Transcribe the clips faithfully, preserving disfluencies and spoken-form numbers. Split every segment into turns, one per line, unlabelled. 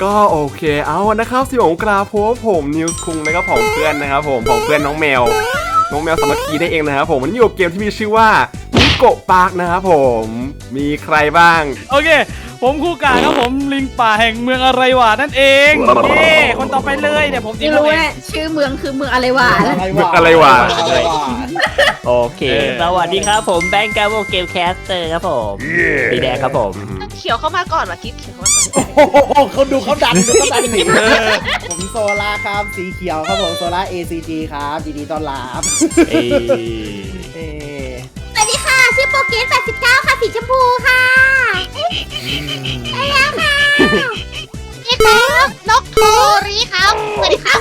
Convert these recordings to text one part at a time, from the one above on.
ก็โอเคเอานะครับสิผมกราโพผมนิวส์คุงนะครับของเพื่อนนะครับผมของเพื่อนน้องแมวน้องแมวสามัคคีได้เองนะครับผมวันนี้อยู่เกมที่มีชื่อว่านิโกะปาร์คนะครับผมมีใครบ้าง
โอเคผมคู่กาครับผมลิงป่าแห่งเมืองอะไรวะนั่นเองนี่คนต่อไปเลยเนี่ยผม
ไม่รู้แหละชื่อเมืองคือเมืองอะไรวะ
เมืองอะไรวะ
โอเคสวัสดีครับผมแบงค์กาโบเกมแคสเตอร์ครับผมสีแดงครับผม
เขียวเข้ามาก่อนวะกิ๊บเขียวเข้ามาก่อน
โอ้โหเขาดูเขาดันดูเขาดันหนีผมโซล่าครับสีเขียวครับผมโซล่า เอ ซี จี ครับยินดีต้อนรับ
เอ
เอ
สวัสดีค่ะชื่อโปเกตแปดสิบเก้าค่ะสีชมพูค่ะได้แล้วค่ะ
นี่ครับนกโทรีครับสวัสดีครับ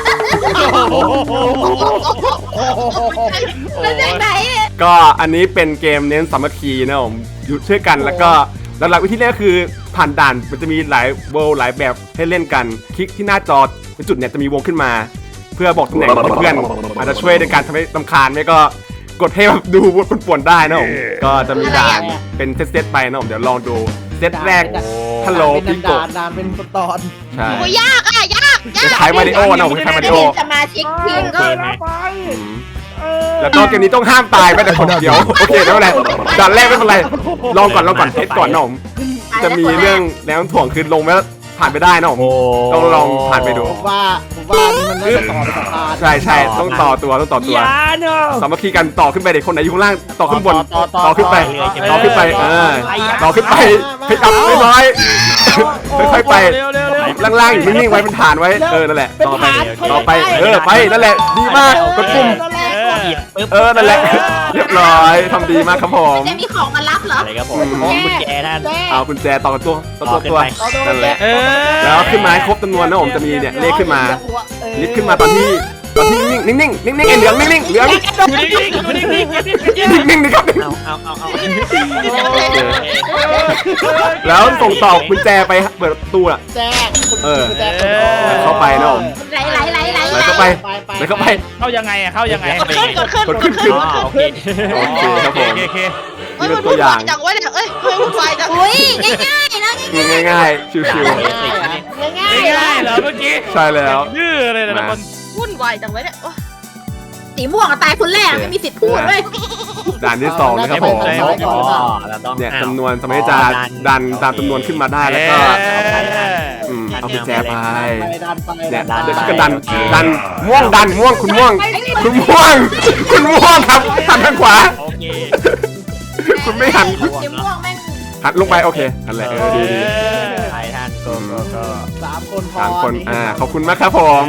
มาจากไหน
ก็อันนี้เป็นเกมเน้นสามัคคีนะผมอยู่ช่วยกันแล้วก็หลักๆวิธีแรกคือผ่านด่านมันจะมีหลายเวลหลายแบบให้เล่นกันคลิกที่หน้าจอเป็นจุดเนี่ยจะมีวงขึ้นมาเพื่อบอกตำแหน่งของเพื่อนอาจจะช่วยในการทำให้รำคาญไม่ก็กดให้แบบดูป่วนๆได้นะผมก็จะมีด่านเป็นเซตๆไปนะผมเดี๋ยวลองดูเซตแรกฮัลโหลพี่โกะ
นานเป็นตอน
ใช่
โอ้ยากอ่ะยากยาก
คล้ายมาริโอนะผมคล้ายมาริโอ
สมาชิกทีมก็
แล้วก็เกมนี้ต้องห้ามตายไม่แต่คนเดียวโอเคไม่เป็นไรด่านแรกไม่เป็นไรลองก่อนลองก่อนเทสก่อนนะผมจะมีเรื่องแรงถ่วงคือลงแล้วผ่านไปได้นะผมต้องลองผ่านไปดู
ผมว่าผมว่านี่มันน่าจะต่อไปสะพาน
ใช่ใช่ต้องต่อตัวต้องต่อตัวสามัคคีกันต่อขึ้นไปเด็กคนไหนอยู่ข้างล่างต่อขึ้นบนต่อขึ้นไปต่อขึ้นไปเออต่อขึ้นไปให้อัพไม่น้อยค่อยๆไปล่างๆอยู่นิ่งๆไว้เป็นฐานไว้เออนั่นแหละต่อไปต่อไปเออไปนั่นแหละดีมากกดปุ่มเออนั่นแหละเรียบร้อยทำดีมากครับผม
จะมีของมารับเหรอ
อะไรครับผมกุญแจท่าน
เอากุญแจต่อตัวต่อตัวตัวนั่นแหละแล้วขึ้นมาครบจำนวนนะผมจะมีเนี่ยเลขขึ้นมาลิฟต์ขึ้นมาตอนที่ตอนที่นิ่งนิ่งนิ่งนิ่งไอ้เหลืองนิ่งนิ่งเหลืองนิ่งนิ่งนี่ครับ
เอาเอาเอาเอา
แล้วส่งต่อกุญแจไปเปิดประตูอ่ะเออเข้าไปนะผม
ไหลไหลไหลไหล
ไหลเข้าไปไหลเข้าไป
เข้ายังไงอ่ะเข้ายังไง
กดขึ้นกดขึ้น
กดขึ้นขึ้น
โอเค
โอเคครับผม
โอเค
นี่มันตัวอย่างจังวะเนี่ยเอ้ยเฮ้ยวุ่นวายจัง
อุ้ยง่ายๆแล้ว
ง่ายง่ายชิวๆ
ง่าย
ง่ายเหรอเมื่อกี้
ใช่แล้ว
ยื้อเลยนะคน
วุ่นวายจังวะเนี่ย
สีม่วงตายคนแรกไม่มีสิทธิ์พูดเลย
ด่านที่สองนะครับผมเนี่ยจำนวนสมัยจะดันตามจำนวนขึ้นมาได้แล้วก็เอากุญแจไปเนี่ยเดี๋ยวกันดันดันม่วงดันม่วงคุณม่วงคุณม่วงคุณม่วงครับหันทางขวาคุณไม่หัน
สีม่วงแม่ง
หันลงไปโอเคนั่นแหละเออดีดี
ไปท่านก็ก็
สามคนพอ
สามคนอ่าขอบคุณมากครับผม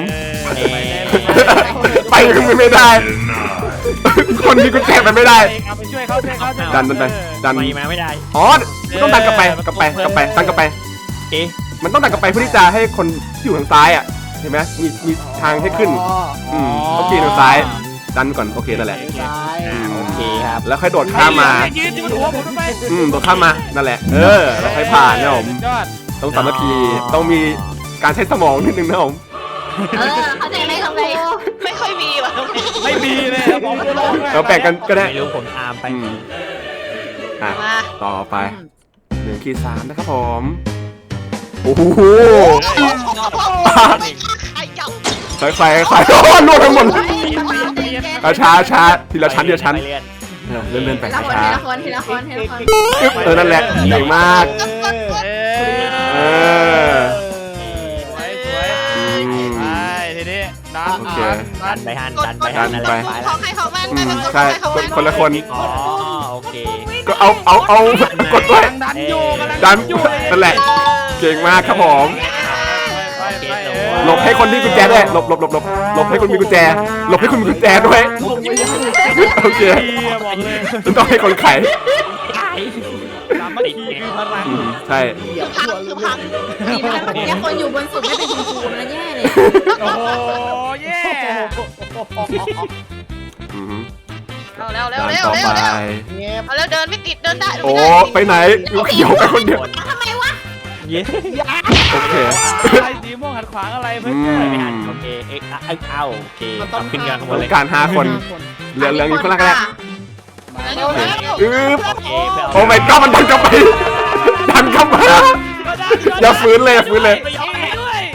ไปไม่ได้คนมีกุญแจไปไม่ได้
เอาไปช่วยเขาช่วยเขา
ดันดันไปดัน
มาไม่ได้
อ๋อต้องดันกลับไปกลับไปกลับไปดันกลับไป
เอ๊ะ
มันต้องดันกลับไปเพื่อที่จะให้คนที่อยู่ทางซ้ายอ่ะเห็นไหมมีมีทางให้ขึ้นอืมโอเคทางซ้ายดันก่อนโอเคนั่นแหละ
โอเคครับ
แล้วค่อยโดดข้ามมาอืมโดดข้ามมานั่นแหละเออแล้วค่อยผ่านนะผมต้องสามัคคีต้องมีการใช้สมองนิดนึงนะผม
เออเขาใจไม่ทำไง
ไม่ค่อยมีว่ะ
ไม่มีเลยผม
เราแบ่งกันก็ได้
ไม่รู้ผมตามไป
อ่ะต่อไปหนึ่งขีดสามนะครับผมโอ้โหค่อยๆค่อยๆโอ้ลวดทั้งหมดช้าช้าทีละชั้นทีละชั้นเลื่อนเลื่อนไปช้า
ทีละคนทีละคนทีละคน
เออนั่นแหละดีมากเออ
ดันไปหันดันไปหัน
ดันไป
ของใครของมัน
ใช่คนละคน
อ๋อโอเค
ก็เอาเอาเอากดด้วย
ดันอยู่
ดันนั่นแหละเก่งมากครับผมหลบให้คนที่กุญแจด้วยหลบหลบหลบหลบหลบให้คนมีกุญแจหลบให้คนมีกุญแจด้วยโอเคต้องให้คนไขใช่
คือพังดีมากเมื่อกี้คนอยู่บนสุดไม่เป็นคุณครูมันแย่เลย
โอ้แย่
เอาแล้วแล้วแล้วแล้วเอาแล้วเดินไม่ติดเดินได้
โอ้ไปไหนเขียวไปคนเดียว
ทำไมวะ
เย้
โอเค
ไอ้สีม่วงหันขวางอะไรเพื่อน
ไม่หันโอเคเอ็กซ์เอาโอเคขึ้นกัน
ต้องการห้าคนเหลือเหลืออยู่คนละกันอือโอ้ไม่ก็มันดันกลับไปดันกลับมาอย่าฝืนเลยอย่าฝืนเลย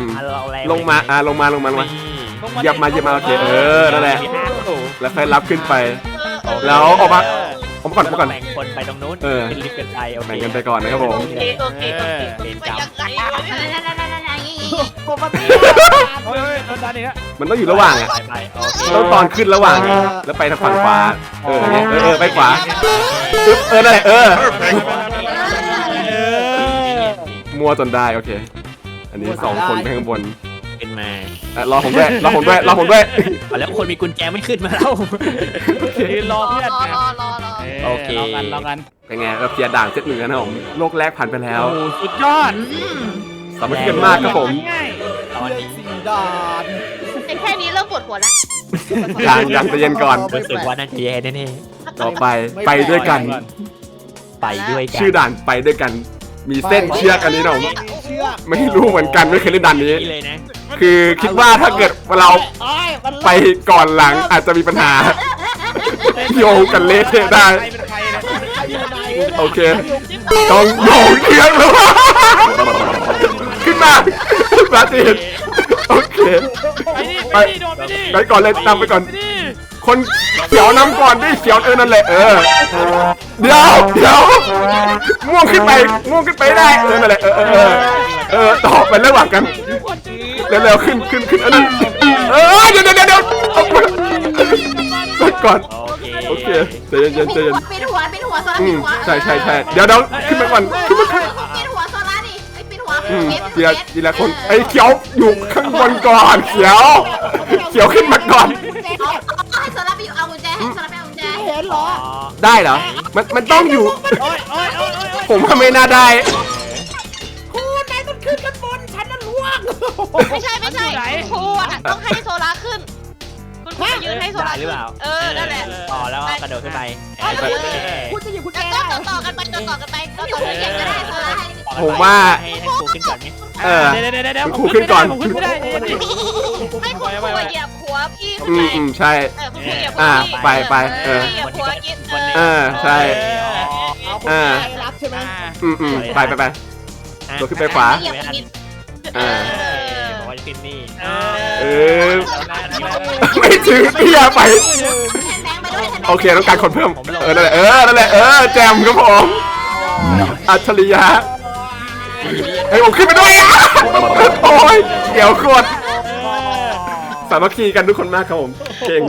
ม
อ่ะเราแรง
ลงมาอ่าลงมาลงมาลงมา เหยียบมาเหยียบมาโอเคเออนั่นแหละ
มีห้าตัว
แล้วค่อยรับขึ้นไป
เออ
แล้วออกมาออกมาก่อนออกมาก่อน
แบ่งคนไปตรงนู้น
เออ
ขึ้นลิฟต์กันไปโอเค
แบ่งกันไปก่อนนะครับผม
โอเคโอเคโอเค
เออ
ไปยังไงวะเนี่ย
ปกติ
เฮ้ยโดนดันอีกแล้ว
มันต้องอยู่ระหว่างอะ
ไปไปโอเค
ต้องตอนขึ้นระหว่างอะแล้วไปทางฝั่งขวาเออเนี่ยเออเออไปขวาอึ๊บเออนั่นแหละเออ
เออ
มัวจนได้โอเค อันนี้สองคนไปข้างบน
ขึ้นมา
อ่ะรอผมด้วยรอผมด้วยรอผมด้วย
เอาแล้วคนมีกุญแจไม่ขึ้นมาแล้ว
ยืนรอ
รอ
เพื่อน
รอรอรอรอ
โอเค
รอกันรอกัน
เป็นไงเราเคลียร์ด่านเซตหนึ่งแล้วนะผมโลกแรกผ่านไปแล้ว
โอ้สุดยอด
สามัคคีกันมากครับผม
ง่าย
ตอนนี้
สี่ด่าน
แต่แค่นี้เริ่มปวดหัวแล้ว
ยังยังใจเย็นก่อน
รู้สึกว่าน่าจะแย่แน่
ต่อไปไปด้วยกัน
ๆไปด้วยกัน
ชื่อด่านไปด้วยกัน มีเส้นเชือกอันนี้นะผม
เชือก
ไม่รู้เหมือนกันไม่เคยเล่นด่านนี้
นี่เลยนะ
คือคิดว่าถ้าเกิดเรา
โอ้ยมัน
ไปก่อนหลังอาจจะมีปัญหา โยงกันเละเทะได้
ใครเป็นใครเนี่ย
ใครอยู่ไหน
โอเค ต้องโยงเชือกแล้วขึ้นมาปาจีนโอเค
ไปดิไปดิโดดไปดิ
ไปก่อนเลยนำไปก่อน
ไปดิ
คนเขียวนำก่อนดิเขียวเออนั่นแหละเออเดี๋ยวเดี๋ยวม่วงขึ้นไปม่วงขึ้นไปได้เออนั่นแหละเออเออเออเออต่อไประหว่างกันเร็วๆขึ้นขึ้นขึ้นอันนั้นเออเดี๋ยวเดี๋ยวเดี๋ยวเอาไปก่อน
โอเค
โอเคใจเย็นๆใจเย็น
ปิดหัวปิดหัวโซล่า
อื
ปิ
ม
ดหัว
ใช่ใช่ใช่เดี๋ยวเดี๋ยวขึ้นมาก่อนขึ้นมาก่อน
ปิดหัวโซล่าดิไอ้ปิดหัว
อืม
เม็ด
ทีละทีละคนไอ้เขียวอยู่ข้างบนก่อนเขียว เขียวขึ้นมาก่อน
เอาเอาให้โซล่าไปอยู่เอากุญแจให้โซล่าไปเอากุญแจ
เห็นเหรอ
อ๋อ
ได้เหรอมันมันต้องอยู่
โอ้ยโอ้ยโอ้ยโอ้ยโอ้ย
ผมว่าไม่น่าได้
คุณนายต้องขึ้นกันบนฉันน่ะล่วง
ไม่ใช่ไม่ใช่ครูอ่ะต้องให้โซล่าขึ้น คุณครูยืนให้โซล่า
ได้หรือเปล่า
เออนั่นแหละ
ต่อแล้วก็กระโดดขึ้นไป
เออ
คุณจะอยู่คุณแจ
แล้วก็ต่อต่อกันไปต่อต่อกันไปต่อต่อ
เขี
กั
ย
น
น
ไป
ก็ได้โซล่าให้
ผมว่า
ให้ให้ครูขึ้นก่อนไหม
เออ
เดี๋ยวเดี๋ยวเดี๋ยว
คุณครูขึ้นก่อน
ผมขึ้นไม่ได้เดี๋ยวเดี๋ยว
ให้คุณครูเหยียบหัวพี่
อื
ขึ้น
มอืม
ไป
ใช่
เออคุณครูเหยียบหัว
อ่า
พี่
ไปไปเออ
เหยียบหัวกิน
เออใช่
เอาคุณ
อ่า
แจรับใช่ไหม
อืมอืมไปไปไป ตัวขึ้นไปขวา
เหยียบนิด
เออ
บอกว่าจะขึ้นนี่
เออไม่ถึงเตี้ยไป
แทนแบงค์ไปด้วยแทนแบงค์
โอเคต้องการคนเพิ่มเออนั่นแหละเออนั่นแหละเออแจมครับผมอัจฉริยะเฮ้ยผมขึ้นไปด้วยอ่ะโอ้ยเดี๋ยวโคตรสามัคคีกันทุกคนมากครับผมเก่ง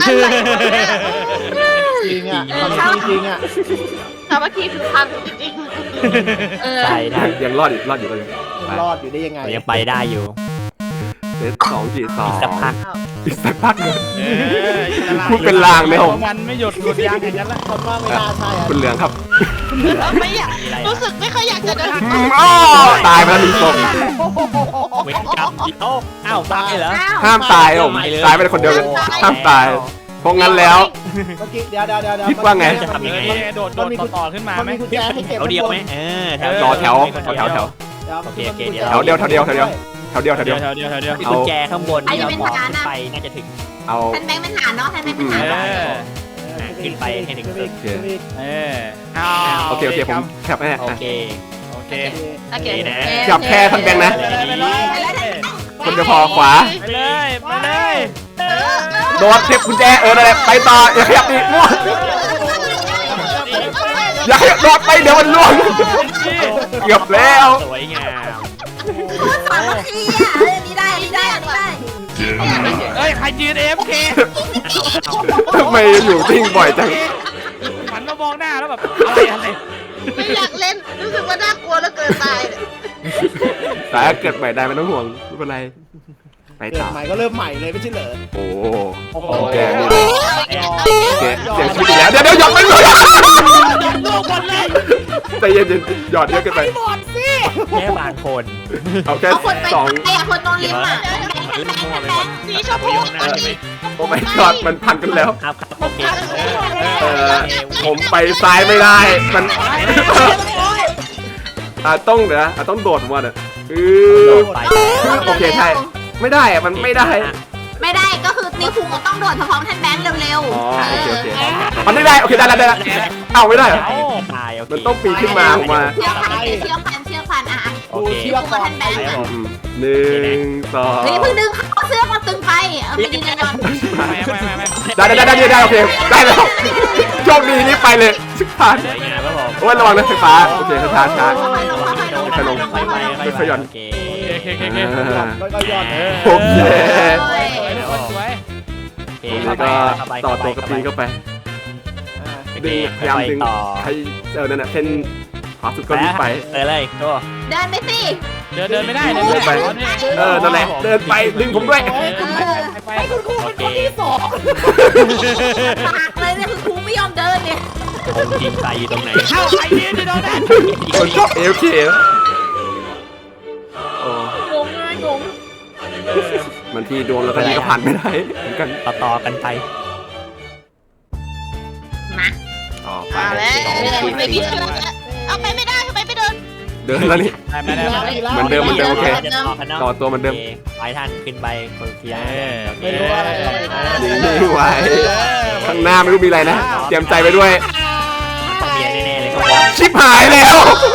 จริงอ่ะจริงอ่ะ
สามัคคีคือพังจริง
เออ
ใช่ได้
ยังรอดอยู่รอดอยู่รอดอยู่
รอดอยู่ได้ยังไง
เรายังไปได้อยู่
เซตสองกี่สอง
สักพัก
อีกสักพักหนึง
เอออิสระ
พูดเป็นลางเลยผม
มันไม่หยุดหยุดยางอย่างนั้นละ
คำว่าไม่น่าใช่อ่ะ
คุณเหลืองครับ
ๆไม่อยากรู้สึกไม่ค่อยอยากจะเดิน
อืมอ้อตายไปแล้วหนึ่งศพ
เวทกรรมเอ้าอ้าวตายเหรอ
ห้ามตายผม
ไม่เลย
ตายไปคนเดียวเลยห้ามตายเพราะงั้นแล้ว
เมื่อกี้เดี๋ยวเดี๋ยวเดี๋ยว
คิดว่าไง
จะทำยังไง
โดดโดดต่อขึ้นมา
มัน
ไหม
มีกุญแจให้เก็บ
เขาเดียวไหมเออแถว
รอแถวแถวแถว
โอเคโอเคเดี๋
แถวเดียวแถวเดียวแถวเดียวแถวเดียวแถวเดี
เดี๋
ย
ยว วเดี๋ยวเดี๋ยวเดี๋ยว
มีกุญแจข้างบนที่เรามองขึ้นไปน่าจะถึง
เอา
แทนแบงค์เป็นฐานเนาะแทนแบงค์เป็นฐาน
เออ
ขึ้นไปให้ถึงตึก
เออเอา
โอเคโอเคผมแคปให้
โอ
อ่ะ
เค
โอเค
โอเค
นี่นะ
แคปแค่ท่านแบงค์นะ
ไปเลย
คนเดียวพอขวา
ไปเลยไปเลย
โดดเทปกุญแจเออนั่นแหละไปต่ออย่าขยับดิมั่วอย่าขยับโดดไปเดี๋ยวมันล่วงเกือบแล้ว
สวยงาม
สามัคคีอ่ะเออนี่ได้นี่ได้นี่ได้
เอ้ยใครยืน เอ เอฟ เค
ทำไมอยู่ทิ้งบ่อยจัง
หันมามองหน้าแล้วแบบอะไรอะไร
ไม่อยากเล่นรู้สึกว่าน่ากลัวแล้วเกินตายเนี่ย
แต่ถ้าเกิดใหม่ได้ไม่ต้องห่วงไม่เป็นไรไป
เกิ
ต่
ด
อ
ใหม่ก็เริ่มใหม่เลยไม่ใช่เหรอ
โอ้
โอ้โห
โอเค
เอาอีก
เสียเสียชีวิตอีกแล้วเดี๋ยวเดี๋ยวหยอดไปเลยใจเย็นๆหยอดเยอะเกินไป
แค่บางคน
เอาแค่
เอาคนไป
สอง
ไอ้อะคนตรงริมอ่ะ
มันเล่นมั่วไป
สีชม
โอ้
พู
ยหน้าใช่ไหม
โอ้ไม่กอดมันพันกันแล้ว
ครับครับโอเค
เออผมไปซ้ายไม่ได้ มันอ่าต้องเดี๋ยวนะอ่ะต้องโดดผมว่าเนี่ยอือ
ไป
โอเคใช่ไม่ได้อะมันไม่ได้
ไม่ได้ก็คือนิวคุงก็ต้องโดดพร้อมๆแทนแบงค์เร็ว
อ๋อ
ๆ
โอเคโอเคมันไม่ได้โอเคได้แล้วได้แล้วเอ้าไม่ได้เหรอ
ตายโอเค
มันต้องปีนขึ้นมาผมมา
เชือกพันเชือกพันเชือกพันอ่ะ
โอเค
เชือกก่อน
ไปครับผม
อืมหนึ่งสอง
เฮ้ยเพิ่งดึงเขาเสื้อมาตึงไปเอาไปยืนนอน
ไม่ไม่ไม่ไม่
ได้ได้ได้ได้ได้โอเคได้แล้วโชคดีนี่ไปเลยชิบหาย
สวยงามครับผม
โอ้ยระวังนะไฟฟ้าโอเคช้าช้า
ค่อยๆลงค่อยๆลง
ไปลง
ค่อยๆลง
ไป
ค่อยๆลง
ไปไปโอเค
โอเคโอเคโอเค
ก็ย้อน
โอเค
สวย
ตรงนี้ก็ต่อตัวกระปีเข้าไปดึงพยายามดึงให้เออนั่นแหละเส้นขวาสุดก็รีบไป
เออเลยก็
เดินไปสิ
เดินเดินไม่ได้เดินไม่ได้
เออนั่นแหละเดินไปดึงผมด้วย
ไป
โอเค
ปากเลยเนี่ยคือครูไม่ยอมเดินเนี่ย
องค์จริงใจอยู่ตรงไหน
เข้าไอ้ยืนที่โดนนั่น
คนชอบเอลเคโอ้
งงเลยงง
มันที่ดวงแล้วก็นี่ก็ผ่านไม่ได้เหมือนกัน
ต่อต่อกันไป
มา
ต่อไป
มาแล้วไม่มีเชือกแล้วเอาไปไม่ได้ทำไมไม่เดิน
เดินแล้วนี่
ไม่ได้ไม่ได้
เหมือนเดิมเหมือนเดิมโอเค
ต่
ต่
อ
อตัวเหมือนเดิม
ไปท่านขึ้นไปคนเคียร์
ไม่รู้อะไร
นิ่งๆไว้ข้างหน้าไม่รู้มีอะไรนะเตรียมใจไปด้วย
ต้องมีแน่ๆเลยครับ
ชิบหายแล้ว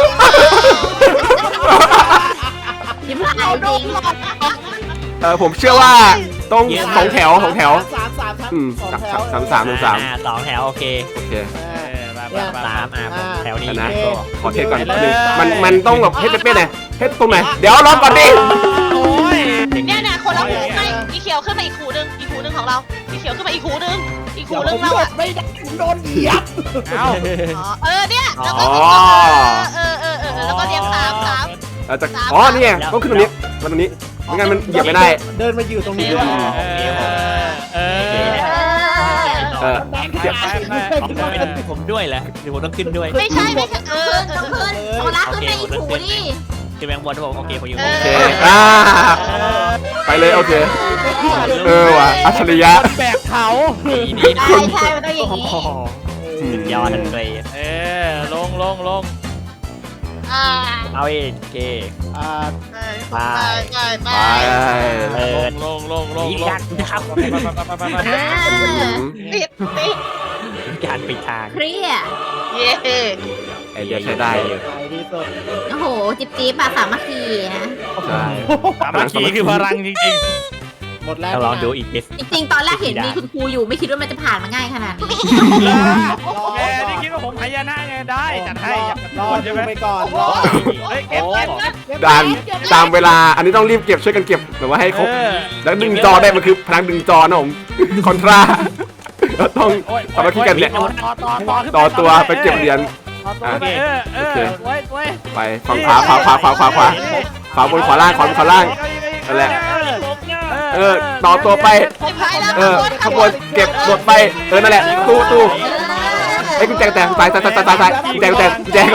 ยิ้มหายจริง
เออผมเชื่อว่าต้องสองแถวสองแถว
สามสามครับ
อืม
สองแถว
สามสามหนึ่งสาม
อ่สองแถวโอเค
โอเค
สามอ่ะผมแถวนี้
ชนะ
ก็
ขอเทสก่อนนิดนึงมันมันต้องแบบเทสเป๊ะๆหน่อยเทสตรงไหนเดี๋ยวรอก่อนดิ
โอ้ย
เนี่ยเนี่ยคนละหูไม่อีเขียวขึ้นมาอีกหูนึงอีกหูนึงของเราอีเขียวขึ้นมาอีกหูนึงอีกหูนึงเราอะ
ไม่ได้ผมโดนเหยียบ
เอา
อ๋อเออเนี่ยแล้วก็เออเออเออแล้วก็เรียงสามสาม
เราจะอ๋อนี่ไงต้องขึ้นตรงนี้มาตรงนี้ไม่งั้นมันเหยียบไม่ได้
เดินมาอยู่ตรงนี้ด้วย
เออเออ
เออ
เจ็บไป
ผมด้วยแหละเดี๋ยวผมต้องขึ้นด้วย
ไม่ใช่ไม่ใช่เออ
ขึ้นต้องขึ้นโซล่าขึ้นในอีกหูนี่
ขึ้นแบงบนผมโอเคผมอยู่
โอเคอ่าไปเลยโอเคเออว่ะอัจฉริยะ
แบกเผา
ดีดี
ใช่ใช่มันต้องอย่างนี้
สุดยอดทันเลย
เออลงลงลง
อ่า
เอาเองโอเค
อ่า
ไปไปไป
ไป
ลงลงลงลง
นี่
ล
ยาง กนะครับ
อ่า
ติดติด
การปิดทาง
เครียด
เย้
ไอเดียใช้ได้อยู่
ไปที่สุด
โอ้โห จิบจิ๊บอะสามัคคีนะ
ใช่
สามัคคีคือพลังจริง
หมดแล้ว
เราลองดูอีกนิด
จริงๆ ตอนแรกเห็นมีคุณครูอยู่ไม่คิดว่ามันจะผ่านมาง่ายขนาดนี้
ๆแกนี่คิดว่าผมพยานะไงได้จัดให้อยาก
รอ
ใช่ไหม
ไปก่อนรอ
เฮ้ยเก็บเก็บเก็บ
ด่านตามเวลาอันนี้ต้องรีบเก็บช่วยกันเก็บแบบว่าให้ครบแล้วดึงจอได้มันคือพลังดึงจอนะผมคอนทราเราต้องสามัคคีกันเนี่ย
ต่อต่อต่อ
ต่อตัวไปเก็บเหรียญ
ต่อตัวไปเออเออไว้ไว้
ไปฝั่งขวาขวาขวาขวาขวาขวาขวาบนขวาล่างขวาบนขวาล่างนั่นแหละเออต่อตัวไป
ไปพายแล้ว
เออขบวนเก็บหมดไปเออนั่นแหละตู้ตู้ไอ้กุญแจกุญแจสายสายสายสายสายกุญแจกุญแจกุญแจ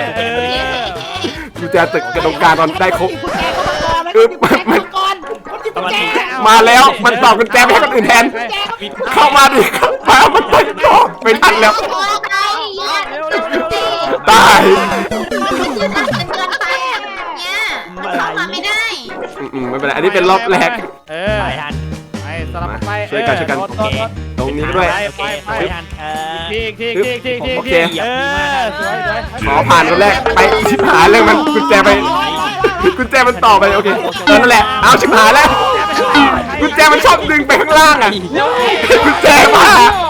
กุญแจตึกกระดงการตอนได้ครบเออมันมันมาแล้วมันตอบกุญแจไปให้คนอื่นแทนเข้ามาดิมามันไปต่อไม่ทันแล้ว
โอ้ใครเนี่ย
ตาย
มันยืนนั่งเกินไปอะเนี่ยมันเข้ามาไม่ได้
อืมไม่เป็นไรอันนี้เป็นรอบแรก
เออ
ไปทัน
ไปสลับไป
ช่วยกันช่วยกัน
โอเค
ตรงนี้ด้วย
โอเคไปทันเออ
ทีทีทีทีที
โอเค
เออสวยสวย
ขอผ่านคนแรกไปชิบหายเลยมันกุญแจไปกุญแจมันต่อไปโอเคเออนั่นแหละเอาชิบหายแล้วกุญแจมันชอบดึงไปข้างล่างอ่ะกุญแจมา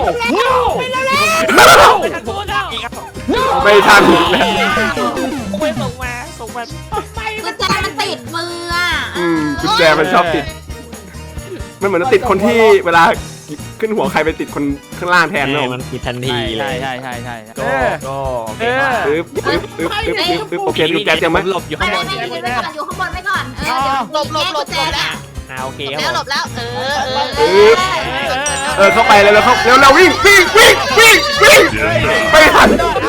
ไม่ทันอีกแล้ว
ไม่ส่งมาส่งมา
กุญแจมันติดมืออ่ะ
อืมกุญแจมันชอบติดมันเหมือนติดคนที่เวลาขึ้นหัวใครไปติดคนข้างล่างแทนนะผม
มันผิดทันที
ใช่
เลย
ใช่ใช่ใช่
ก็ก็โอเค
อึ๊บอึ๊บอึ๊บอึ๊บอึ๊บอึ๊บโอเคกุญแจเตรียมไหม
หลบอยู่
ไม่
ข้างบ
ไม่
น
ไม่ยืนไว้ก่อนอยู่ข้างบนไว้ก่อนเออเดี๋ยว
หลบหลบหลบ
กุญแจ
หลบ
เนี่
แล้
ยว
อ่าโอเค
แล้วหลบแล้วเออเออ
อึ๊บเออเข้าไปเลยแล้วเข้าเร็วเร็ววิ่งวิ่งวิ่งวิ่งวิ่งไม่ทัน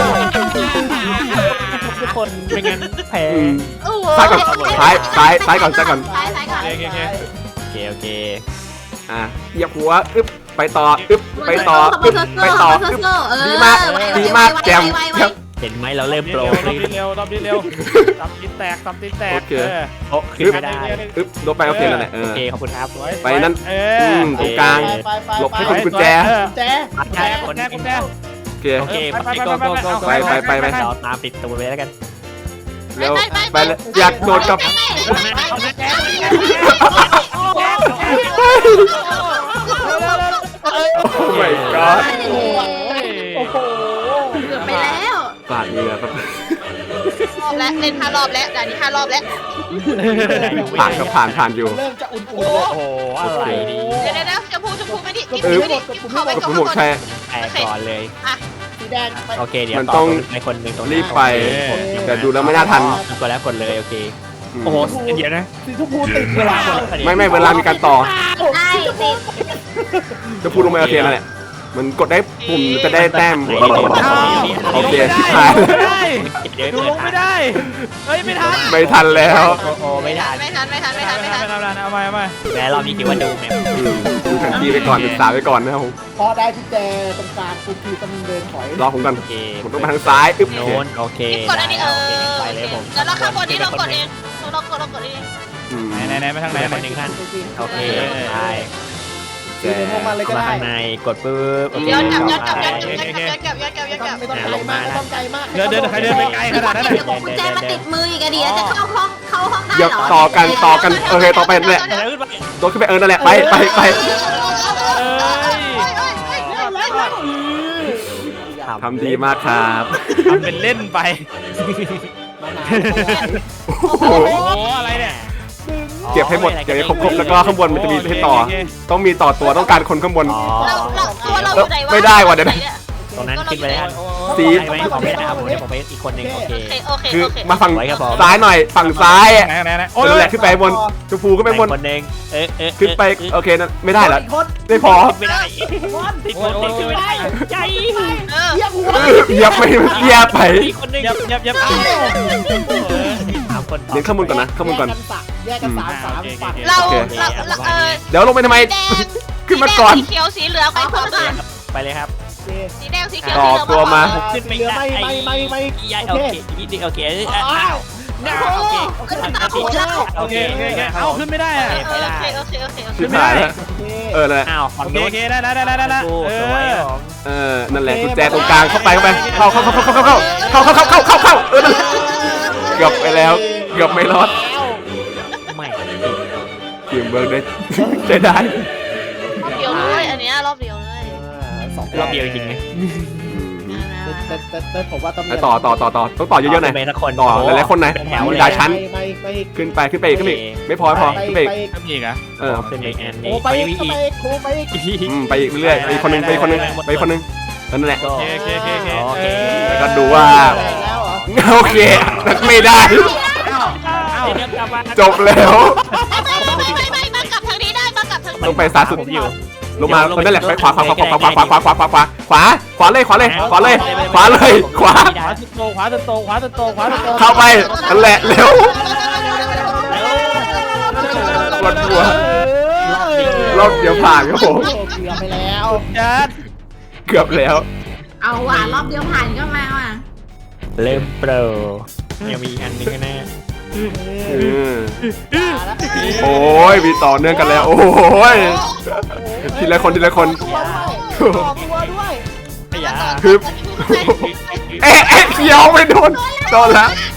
ทุกคนไม่งั้นแพ้
อืม
โอ้โห
ซ้ายก่อนซ้ายซ้ายซ้ายก่อนซ้ายก่อน
ซ้ายซ้ายก่อน
โอเคโอเค
โอเคโอเค
อ่ะเหยียบหัวอึ๊บไปต่ออึ๊บไปต่ออึ๊บไปต่ออึ๊บดีมากดีมากแจมแจม
เห็นไหมเราเริ่มโปร
รอบนี้เร็วรอบนี้เร็วตับตีนแตกตับตีนแตก
โอเค
โอ้ขึ้นไม่ได้
อึ๊บลบไปโอเคนั่นแหละเอ
โอ
อ
เคขอบคุณครับ
ไปนั่น
เอ
อื
อ
มตรงกลาง
ไปไป
หลบให้
ไป
คน กุญแจ
กุญแจ
ปัด
แจ
ได้
ก
ค
คน
น
แจกคนแจก
โอเค
โอเคไปโกโกโก
ไปไปไปไป
เราตามติดตัวไปแล้วกัน
เร็วไปเลยอยากโดดกับโอ้ my god
โอ้โห
เกือบไปแล้ว
ปาดเหงื่อครับ
รอบแล้วเล่นห้ารอบแล้วด่านนี้ห้ารอบแล้ว
ผ่านก็ผ่านผ่านอยู่
เริ่มจะอุ่นๆแล้ว
โอ้โหอะไรดี
เดี๋ยวเดี๋ยวเดี๋ยวชมพูชมพูไม่ดิกิน
เออ
ไม่ดิกินเข้าไป
กด
ก่อน
ปุ่มหมดใช่
แอบก่อนเลย
สีแดงไป
โอเคเดี๋ยว
มันต้อง
ในคนหนึ่งตรงหน้า
รีบไป
โอเค
แต่ดูแล้วไม่น่าทัน
กดแล้วกดเลยโอเค
ม
โอ้โหเดี๋ยวนะ
สีชมพูติดเวลา
ไม่ไม่เวลามีการต่อ
ได้ติด
จะพูดลงไปโอเคนั่นแหละมันกดได้ปุ่มจะได้แต้ม
อ้าว
โอเค
ลง
ชิบ
ไม่
หาย
ได้
เดี๋ยว
ดูลงไม่ได้เฮ้ยไม่ทัน
ไม่ทันแล้ว
โอ้โหไม่ทัน
ไม่ทันไม่ทันไม่ทันไม่ทัน
ไม่ทันเอาใหม่เอาใหม่
แม้รอบนี้คิดว่าดูแมพ
อืมดูแผนที่ไปก่อนศึกษาไปก่อนนะครับผม
พอได้พี่แจตรงกลางปุ๊บพี่ต้องเดินถอย
รอผมก่อน
โอเค
ผมต้องไปทางซ้ายอึ๊บโอ
โน้
เค
นโอเค
กดอันนี้เออ
ไปเลยผม
แล้วเราข้างบนนี้เรากดเองเรากดเรากดเอง
อืม
ไหนไหนไหนไปทางไหน
ไป
ไป
หนึ่งขั้นโอเคไป
ยืนในพวกมันเลยก็
เข้ามา
ได้
ข้างในกดปุ๊บโอเค
ย้อนกลับย้อนกลับ
ไป
ย้อนกลับย้อนกลับย้อนกลับย้อนกลับย้อนกลับ
ไม่ต้องไกลมากไม่ต้องไกลมาก
เดินเดินใครเดินไปไกลขนาดนั้น
เดี๋ยวกุญแจมาติดมืออีกอะดีแล้วจะเข้าห้องเข้าห้องได้
เดี๋ยว
เหรอ
ต่อกันต่อกันโอเคต่อไปนั่นแหละ
เดี๋ยวขึ้นไป
โดดขึ้นไปเออนั่นแหละไปไปไป ทำดีมากครับ
ทำเป็นเล่นไป
โอ้โห
โอ้โหอะไรเนี่ย
เก็บให้หมดเก็บให้ครบๆแล้วก็ข้างบนมันจะมีให้ต่อ ต้องมีต่อตัวต้องการคนข้างบน
อ๋อ
เราเราตัวเราอยู่ไหนวะ
ไม่ได้ว่ะเดี๋ยวนะ
ตรงนั้นขึ้นไปแล้ว
สี
ได้ไหมผมไม่ได้ครับผมเดี๋ยวผมไปอีกคนหนึ่งโอเค
โอเคโอเค
คือ
โอเค
มาฝั่ง
ไว้ครับผม
ซ้ายหน่อยฝั่งซ้ายอะ
ไหนไหนไหนโอ้ย
นั่นแหละขึ้นไปบนชมพูขึ้นไปบน
คนหนึ่งเออเออ
ขึ้นไปโอเคนั่นไม่ได้เหรอ
คน
ไม่พอ
ไม่ได้ติดคนติดขึ้นไม่ได้ใจ
เออ
เรียกหัว
เออเหยียบไปเหยียบไป
อีกคนหนึ่ง
ยับยับยับเอา
สามคน
เดี๋ยวข้างบนก่อนนะข้างบนก่อน
แยกกันสามสามฝั่ง
เราเราเราเออ
เดี๋ยวลงไปทำไม
แดง
ขึ้นมาก่อน
สีเขียวสีเหลืองไปพร้อมกัน
ไปเลยครับ
สีแดงสีเขียว
ต่
สี
อ
เหลือง
ตัวมา
ขึ้นไป
เรือไม่ไม่ไม่ไม่
ยายโอเคนิดนึงโอเคอ้าวโอเค
โอเคโอเคโอเคเอาขึ้นไม่ได้อะ
โอเคโอเคโอเคโอเค
ชิบหายแล้วเออเลย
อ้าวฝั่ง
โอเค
โน้
โอน เคได้ได้ได้ได้ได้เอ
สวย
อ
เออนั่นแหละกุญแจตรงกลางเข้าไปเข้าไปเข้าเข้าเข้าเข้าเข้าเข้าเข้าเข้าเข้าเข้าเข้าเข้าเออนั่นแหละเกือบไปแล้วเกือบไม่รอด
ไม่
ทีมเบิร์กได้ใช้ได้
รอบเดียวเลยอันเนี้ยรอบเดียวเลย
สอง
รอบเดียวจริงไง
แต่แต่แต่ผมว่าต้อง
ต่อต่อต่อต่อต้องต่อเยอะๆหน่อย
ไปสักคน
ต่อหลายๆคนหน่อย
เป็นแถว
มี
เลย
หลายชั้น
ไม่ไม่
ขึ้นไปขึ้นไปอีกขึ้นไปอีกไม่พอไม่พอขึ้นไปอีก
ทำอีกอ่ะ
เออ
ขึ้นไปอีกอัน
โอ้
นี้
ไป
ไป
อี
อี
ก
ก
ไปโค้ไปอีก
อืมไปอีกเรื่อยๆไปอีกคนนึงไปอีกคนนึงไปอีกคนนึงนั่นแหละ
โอเคโอเคโอเคโอเค
โอเค
แล้วก็ดูว่า
แรงแล้วเหรอ
โอเคไม่ได้
เดี๋ยวกลับมา
จบแล้ว
ไม่ไม่ไม่มากลับทางนี้ได้มากลับทางนี้
ต้องไปซ้ายสุด
ผมอยู่
ลงมาคนนั่นแหละไปขวาขวาขวาขวาขวาขวาขวาขวาขวาขวาขวาขวาเลยขวาเลยขวาเลยขวาเลยขวา
ขวาสุดโตขวาสุดโตขวาสุดโตขวาสุดโต
เข้าไปนั่นแหละเร็วปวดหัวรอบเดียวผ่านครับผม
โอ้เกือบไปแล้ว
จัด
เกือบแล้ว
เอาว่ะรอบเดียวผ่านก็มาว่ะ
เริ่มโปรยังมีอีกอันนึงแน่
อืมโอ้ยมีต่อเนื่องกันแล้ว โอ้ยทีละคนทีละคน
ตัวด้วยต่อตัวด้วย
ไม่อยาก
คือเอ๊ะเอ๊ะเขียวไม่โดนโดนแล้ว
เ